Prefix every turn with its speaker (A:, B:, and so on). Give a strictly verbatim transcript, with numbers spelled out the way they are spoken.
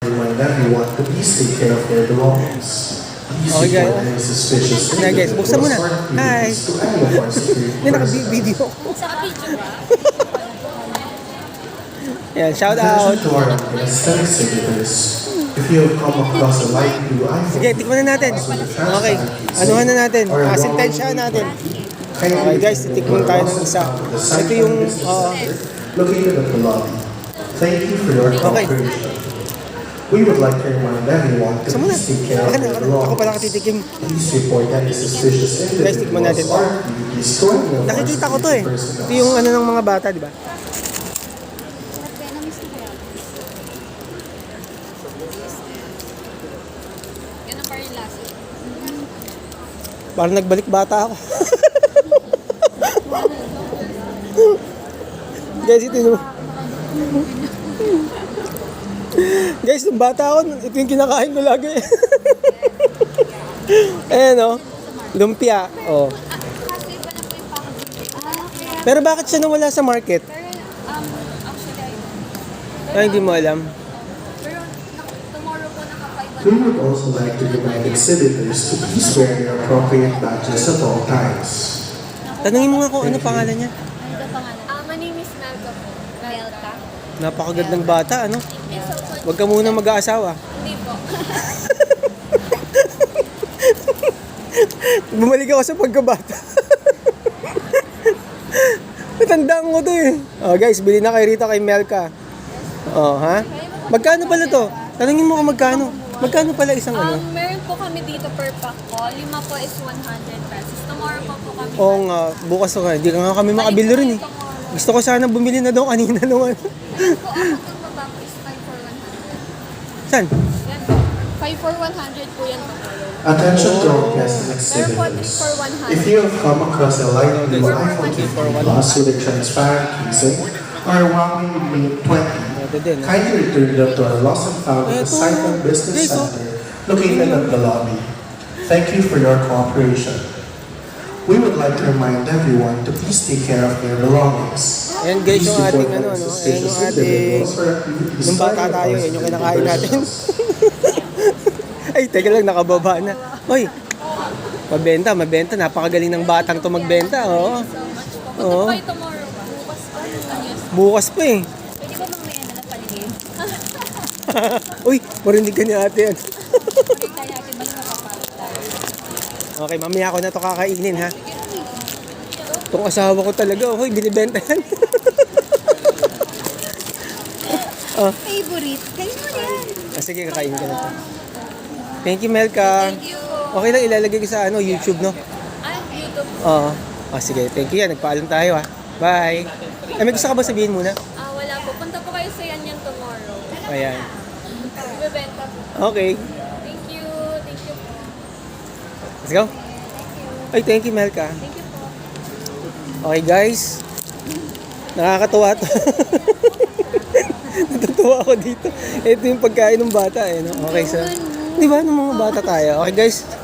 A: Remind everyone to please take care of their belongings. Please
B: Okay, guys.
A: report any suspicious
B: Hi, guys. Buksan mo na.
A: or
B: Hi.
A: activities to any of our security
B: Hindi,
A: personnel.
B: naka-video.
C: Sa video ba?
B: Yan, shout
A: Attention
B: out.
A: to our anesthetic exhibitors. If you have come across a light blue iPhone,
B: Sige, tikman na natin. Okay, anuhan na natin.
A: or a
B: Ah,
A: wrong
B: sentensyahan natin.
A: kindly
B: Okay, guys, titikman tayo ng isa.
A: to the
B: Ito yung,
A: Business
B: uh,
A: Center located at the lobby. Thank you for your
B: Okay.
A: cooperation. We would like to remind everyone to
B: Saan mo na?
A: please take care of
B: Akin na,
A: their
B: akin na. Ako pala
A: belongings.
B: katitikim.
A: Please report any suspicious
B: Guys, tikman natin.
A: individuals or activities to any of our
B: Nakikita ko to eh.
A: security
B: Ito
A: personnel.
B: yung ano ng mga bata, di ba?
C: Ganun pa rin lasa.
B: Parang nagbalik bata ako. Guys, ito yung... Guys, nung bata ako, ito yung kinakain ko lagi. Ayan o. Lumpia. Oh.
C: Kasi iba na po yung packaging. Ah, kaya.
B: Pero bakit siya nawala sa market?
C: Pero, um, actually, I don't.
B: Ay, hindi mo alam.
C: Pero, nak- tomorrow po naka-five
A: We would also like to remind exhibitors to please wear their appropriate badges at all times.
B: Tanungin mo nga kung ano pangalan niya.
C: Ano ba pangalan? Ah, my name is Melka po. Melka?
B: Napakagandang bata, ano?
C: Yes, so, so,
B: Huwag ka muna mag-aasawa.
C: hindi po.
B: Bumalik ako sa pagkabata. Natandaan ko to eh. Oh, guys, bili na kayo rito kay Melka. Oh, ha? Magkano pala to? Tanungin mo kung magkano. Magkano pala isang ano?
C: Um, meron po kami dito per pack po. Lima po is one hundred pesos. Tomorrow po po kami.
B: Oo nga, bukas ko nga. Hindi ka nga kami makabili rin eh. Gusto ko sana bumili na daw kanina nung ano.
C: Yan po, ang pagbaba po is five for one hundred.
B: Saan?
C: Yan po. five for one hundred po yan tomorrow.
A: Attention to all guests and
C: Meron po three
A: exhibitors.
C: for one hundred.
A: If you have come across a light blue iPhone fifteen Plus with a transparent casing or a Huawei Mate twenty,
B: Ito din. ah.
A: kindly return them to our lost and found at the
B: Eto.
A: Saipan Business
B: Guys, oh.
A: Center located at the lobby. Thank you for your cooperation. We would like to remind everyone to please take care of their belongings.
B: Ayan guys,
A: Please
B: yung ating
A: report
B: ano,
A: any
B: ano, ayan
A: suspicious
B: yung ating,
A: individuals or activities
B: nung bata
A: to any of
B: tayo,
A: our
B: yan yung
A: security
B: kinakain natin.
A: personnel.
B: Ay, teka lang, nakababa na. Hoy, mabenta, mabenta. Napakagaling ng batang to magbenta, oo.
C: So much po.
B: Oo.
C: Punta po kayo tomorrow ba? Bukas pa. Yes.
B: Bukas pa eh.
C: Pwede ba mamaya na lang paligid?
B: Uy, marinig ka ni ate yan.
C: Pwede tayo natin ba na makapasok tayo?
B: Okay, mamaya ako na to kakainin ha. Itong asawa ko talaga, hoy, binibenta yan.
C: Favorite? Kayo mo yan.
B: Ah, sige, kakain ka na to. Thank you, Melka.
C: Thank you.
B: Okay lang, ilalagay ko sa ano, YouTube, no?
C: Ah, YouTube.
B: Oo. Ah, sige, thank you yan. Nagpaalam tayo ha. Bye. Ay, may gusto ka ba sabihin muna?
C: Ah, wala po. Punta po kayo sa yan yan tomorrow.
B: Ayan.
C: Bebenta po.
B: Okay,
C: Thank you. Thank you po.
B: let's go. Ay, thank you, Melka.
C: Thank you po.
B: Okay, guys. Nakakatuwa to. Natutuwa ako dito. Ito yung pagkain ng bata eh. No? Okay, so. Di ba, ng mga bata tayo? Okay, guys.